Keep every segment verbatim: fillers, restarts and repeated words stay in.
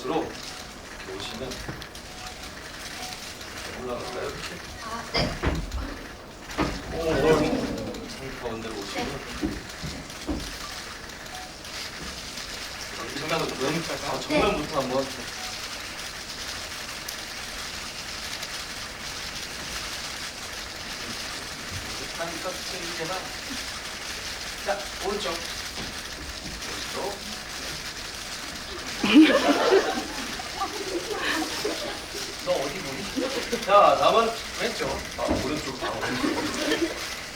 곳으로 오시면 올라갈까요? 이렇게? 아, 네. 오, 오, 상 가운데로 오시면 정면으로 정, 아, 정면부터 한번 하니까 생기게나 자, 오른쪽 오른쪽 너 어디 보니? 자, 다음은 왼쪽. 아, 오른쪽. 아, 오른쪽.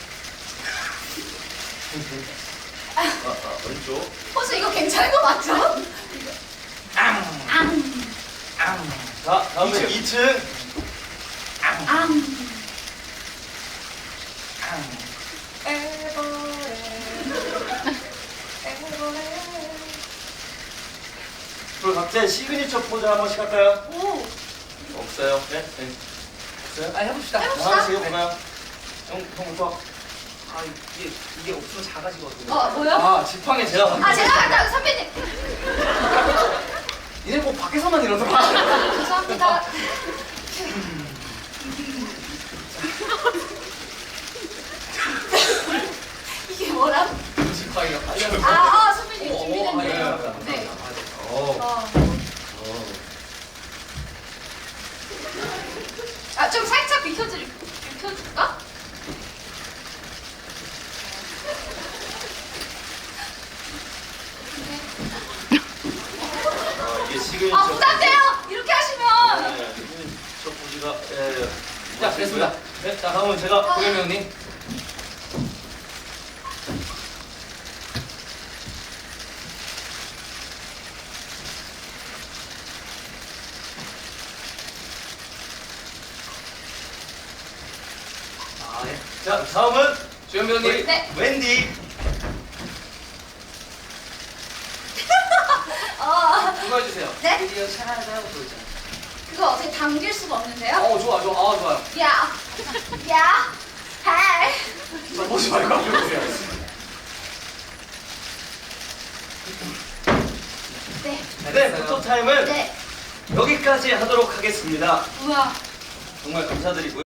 아, 아, 왼쪽. 호수 이거 괜찮은 거 맞죠? 앙. 앙. 앙. 자, 다음은 이 층. 앙. 앙. 앙. 에버레. 에버레. 그리고 각자의 시그니처 포즈 한 번씩 할까요? 오. 없어요. 네? 네. 없어요? 아 해봅시다. 해봅시다. 하나씩 해볼까요? 형, 형부터. 아 이게 이게 없으면 작아지거든요. 어, 뭐요? 아, 지팡이 제가 아, 제가 갔다 선배님. 얘네 꼭 밖에서만 이러더라. 죄송합니다. 이게 뭐라? 지팡이가 빨리 하는 아, 아, 선배님 어, 어, 준비됐네요. 아, 예. 네. 어. 어. 어. 아, 좀 살짝 비켜줄, 비켜줄까? 아, 이게 시그니처. 아, 부담돼요! 이렇게 하시면! 네, 시그니처 포즈가. 예, 예. 자, 됐습니다. 네, 자, 다음은 제가. 고겸이 형님. 아 예. 자, 다음은 조현미 형님. 네. 웬디. 어, 그거 해주세요. 네? 드디어 찾아오고 있잖아요. 그거 어떻게 당길 수가 없는데요? 어 좋아 좋아. 아 좋아요. 야, 야, 할. 저 보지 말고 앞으로 보세요. 네, 네, 포토 타임은 네. 여기까지 하도록 하겠습니다. 우와. 정말 감사드리고요.